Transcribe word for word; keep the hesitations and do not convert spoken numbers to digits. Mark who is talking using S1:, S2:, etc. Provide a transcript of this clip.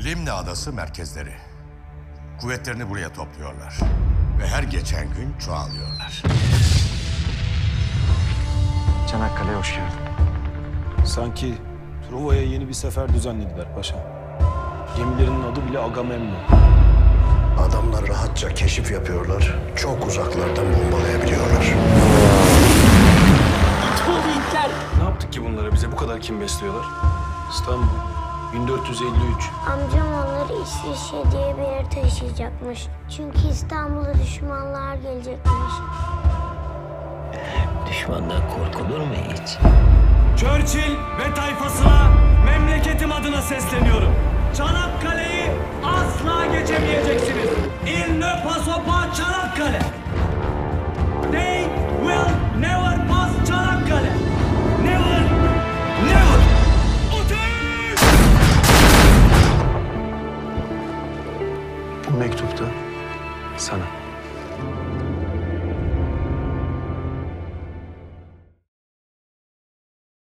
S1: Limne Adası merkezleri. Kuvvetlerini buraya topluyorlar. Ve her geçen gün çoğalıyorlar.
S2: Çanakkale'ye hoş geldin.
S3: Sanki Truva'ya yeni bir sefer düzenlediler paşa. Gemilerinin adı bile Agamemnon.
S4: Adamlar rahatça keşif yapıyorlar. Çok uzaklardan bombalayabiliyorlar.
S3: Ne yaptık ki bunlara? Bize bu kadar kim besliyorlar? İstanbul, bin dört yüz elli üç.
S5: Amcam onları İsviçre diye bir yere taşıyacakmış. Çünkü İstanbul'a düşmanlar gelecekmiş.
S6: Düşmandan korkulur mu hiç?
S7: Churchill ve tayfasına memleketim adına sesleniyorum. Çanakkale'yi asla geçemeyeceksiniz. Il ne passe pas Çanakkale. They will never pass Çanakkale. Never, never. Ateş!
S3: Bu mektupta sana.